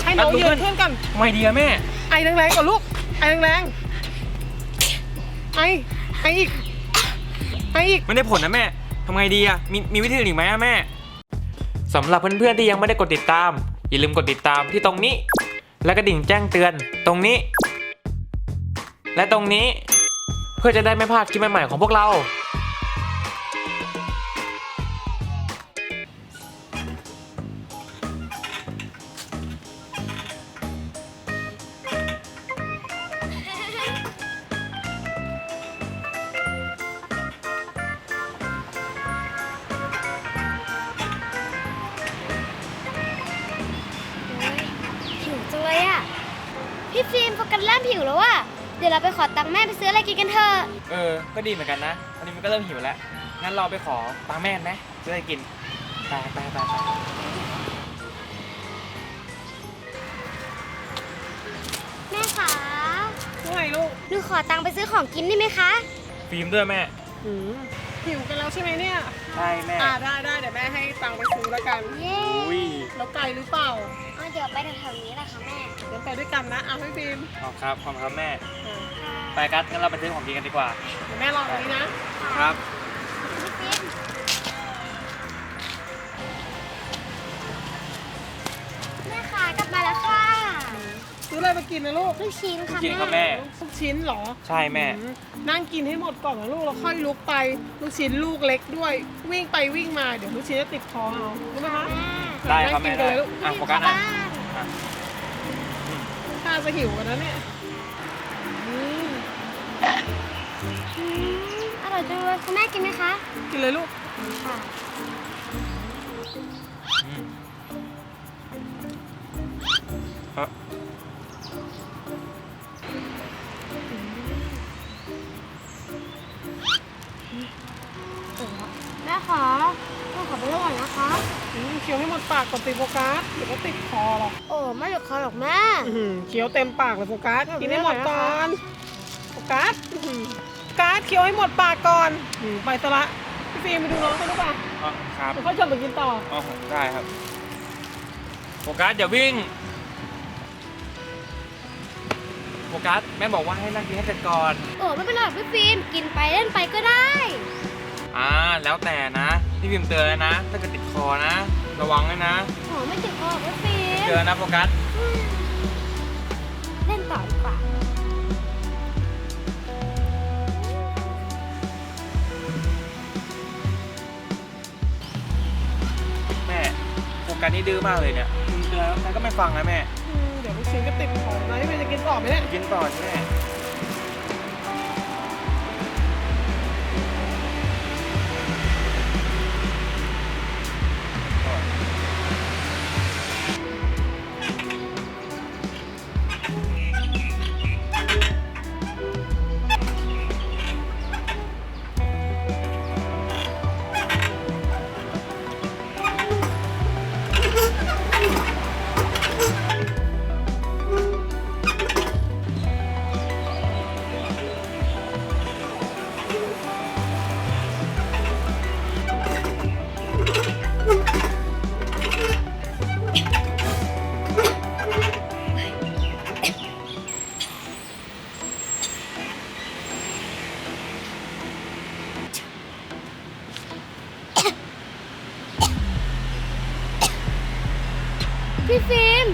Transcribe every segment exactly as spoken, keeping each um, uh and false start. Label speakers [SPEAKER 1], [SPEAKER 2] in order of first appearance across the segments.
[SPEAKER 1] ให้น้องยืนขึ้นกัน
[SPEAKER 2] ไม่ดีอะแม่
[SPEAKER 1] ไอแรงๆก่อนลูกไอแรงๆไอไออีกไออีก
[SPEAKER 2] ไม่ได้ผลนะแม่ทำไงดีอะมีมีวิธีอื่นอีกไหมอะแม่สำหรับเพื่อนๆที่ยังไม่ได้กดติดตามอย่าลืมกดติดตามที่ตรงนี้และกระดิ่งแจ้งเตือนตรงนี้และตรงนี้เพื่อจะได้ไม่พลาดคลิปใหม่ๆของพวกเรา
[SPEAKER 3] หิวจังเลยอ่ะพี่ฟิล์มโฟกัสเริ่มหิวแล้วอ่ะเดี๋ยวเราไปขอตังค์แม่ไปซื้ออะไรกินกันเถอะ
[SPEAKER 2] เออก็ดีเหมือนกันนะวันนี้มันก็เริ่มหิวแล้วงั้นเราไปขอตังค์แม่ไหมซื้ออะไรกินไปไปไปไป
[SPEAKER 3] แม่คะ
[SPEAKER 1] ว่าไงลูก
[SPEAKER 3] หนูขอตังค์ไปซื้อของกินได้ไหมคะ
[SPEAKER 2] ฟิล์มด้วยแม่
[SPEAKER 1] หิวกันแล้วใช่ไหมเนี่ย
[SPEAKER 2] ใช่แม่
[SPEAKER 1] อ่าได้ได้เดี๋ยวแม่ให้ตังค์ไปซื้อแล้วกัน
[SPEAKER 3] เย้
[SPEAKER 1] แล้วไกลหรือเปล่า
[SPEAKER 3] อ๋อเดี๋ยวไปแถวๆนี้แหละค่ะแม่
[SPEAKER 1] เดี๋ยวไปด้วยกันนะอ่ะพี่ฟิล์ม
[SPEAKER 2] ขอบครับขอบครับแม่ไปกัดงั้นเราไปซื้อของกินกันดีกว่า
[SPEAKER 1] เดี๋ยวแม่รอตรงนี้
[SPEAKER 2] นะครับ
[SPEAKER 3] พี่ฟิล์มแม่คะกลับมาแล้วค่ะ
[SPEAKER 1] ซื้ออะไรมากินนะลูก
[SPEAKER 3] ลูกชิ้นค่ะ
[SPEAKER 2] กินครับแม่
[SPEAKER 1] ลูกชิ้นเหรอ
[SPEAKER 2] ใช่แม่
[SPEAKER 1] นั่งกินให้หมดก่อนนะลูกแล้วค่อยลุกไปลูกชิ้นลูกเล็กด้วยวิ่งไปวิ่งมาเดี๋ยวลูกชิ้นจะติดคอเอารู้ไหมคะ
[SPEAKER 2] ได้ครับแม่ได้อ่ะโฟกัสนะ
[SPEAKER 1] ถ้าจะหิวกันนะเนี่ย
[SPEAKER 3] อร่อยจังเลยคุณแม่กินไหมคะ
[SPEAKER 1] กินเลยลูก
[SPEAKER 3] ค่ะแม่ขอแม่ขอไปด้วยก่อนนะคะ
[SPEAKER 1] เคี้ยวให้หมดปากก่อนติดโฟกัสเดี๋ยวก็ติดคอหรอก
[SPEAKER 3] โอ้ไม่หยุดคอหรอกแม่
[SPEAKER 1] เคี้ยวเต็มปากเลยโฟกัสกินให้หมดก่อนโฟกัสโฟกัสเคี้ยวให้หมดปากก่อนไปซะละพี่ฟิล์มไปดูน้องกันหรือเปล่า
[SPEAKER 2] อ๋อครับ
[SPEAKER 1] เขาชวนไปกินต่อ
[SPEAKER 2] อ๋อได้ครับโฟกัสอย่าวิ่งโฟกัสแม่บอกว่าให้นั่งกินให้เสร็จก่อน
[SPEAKER 3] โอ้ไม่เป็นไรพี่ฟิล์มกินไปเล่นไปก็ได้
[SPEAKER 2] อ่าแล้วแต่นะพี่พิมพ์เตือนแล้วนะถ้าเกิดติดคอนะระวังด้วยนะ
[SPEAKER 3] โอ้ไม่ติดคอพี่ฟิล์ม
[SPEAKER 2] เตือนนะโฟกัส
[SPEAKER 3] เล่นต่อดีกว่า
[SPEAKER 2] แม่โฟกัสนี่ดื้อมากเลยเนี่ยพิมพ์เตือนแล้วแต่ก็ไม่ฟังนะแม่
[SPEAKER 1] เดี๋ยวลูกชิ้นก็ติดคอนะพี่ฟิล์มจะกินต่อไหมเนี่ย
[SPEAKER 2] กินต่อใช่ไหม
[SPEAKER 3] พี่ฟิล์ม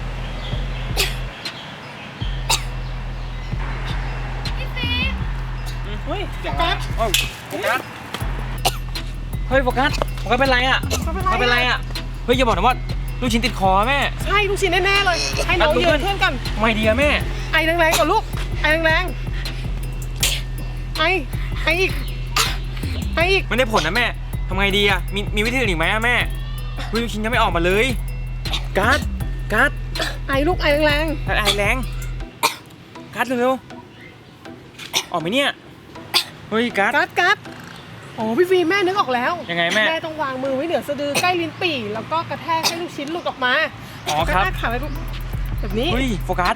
[SPEAKER 3] พี่ฟิล์ม
[SPEAKER 1] เฮ้ยโฟกัส
[SPEAKER 2] โอ้โฟกัสเฮ้ยโฟกัสโฟกัสเป็นไรอ่ะเขาเป็นไรอ่ะเฮ้ยอย่าบอกนะว่าลูกชิ้นติดคอแม่
[SPEAKER 1] ใช่ลูกชิ้นแน่ๆเลยให้น้องยืนขึ้นกัน
[SPEAKER 2] ไม่ดีอะแม่
[SPEAKER 1] ไอแรงๆก่อนลูกไอแรงๆไอไออีกไออีก
[SPEAKER 2] ไม่ได้ผลนะแม่ทำไงดีอะมีมีวิธีอื่นอีกไหมอะแม่ลูกชิ้นยังไม่ออกมาเลยกัดกัด
[SPEAKER 1] ไอลูกไอแรง
[SPEAKER 2] ๆไอแรงกัดเร็วๆออกไหมเนี่ยเฮ้ยกัด
[SPEAKER 1] กัดกัดโอ้พี่ฟิล์มแม่นึกออกแล้ว
[SPEAKER 2] ยังไงแม่
[SPEAKER 1] แม่ต้องวางมือไว้เหนือสะดือใกล้ลิ้นปี่แล้วก็กระแทกให้ลูกชิ้นหลุดออกมา
[SPEAKER 2] อ๋อครับ
[SPEAKER 1] กระแทกขาไว้แบบนี้
[SPEAKER 2] เฮ้ยโฟกัส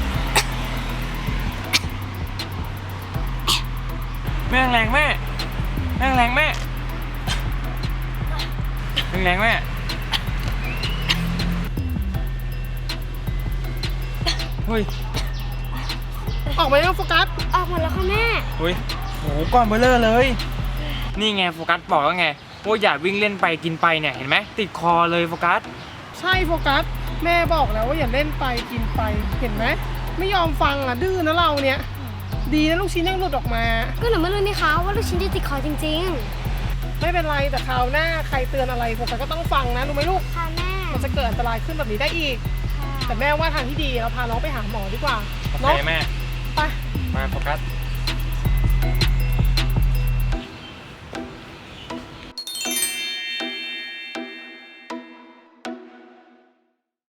[SPEAKER 2] แม่แรงแม่แม่แรงแม่แรงแม่เฮ้ย
[SPEAKER 1] ออกมาแล้วโฟกัส
[SPEAKER 3] ออกหมดแล้วค่ะแม่
[SPEAKER 2] เฮ้ยโหก้อนเบลเลอร์เลย นี่ไงโฟกัสบอกแล้วไงว่าอย่าวิ่งเล่นไปกินไปเนี่ยเห็นไหมติดคอเลยโฟกัส
[SPEAKER 1] ใช่โฟกัสแม่บอกแล้วว่าอย่าเล่นไปกินไปเห็นไหมไม่ยอมฟังอ่ะดื้อนะเราเนี่ยดีนะลูกชิ้นยังหลุดออกมา
[SPEAKER 3] ก็หนูไม่รู้นี่คะว่าลูกชิ้นจะติดคอจริง
[SPEAKER 1] ไม่เป็นไรแต่คราวหน้าใครเตือนอะไรโฟกัสก็ต้องฟังนะรู้ไหมลูก
[SPEAKER 3] ๆ ค่ะแม่
[SPEAKER 1] มันจะเกิดอันตรายขึ้นแบบนี้ได้อีก แต่แม่ว่าทางที่ดีเราพาน้องไปหาหมอดีกว่า
[SPEAKER 2] โอเค
[SPEAKER 1] เนาะ
[SPEAKER 2] แม่
[SPEAKER 1] ไป
[SPEAKER 2] มาโฟกัส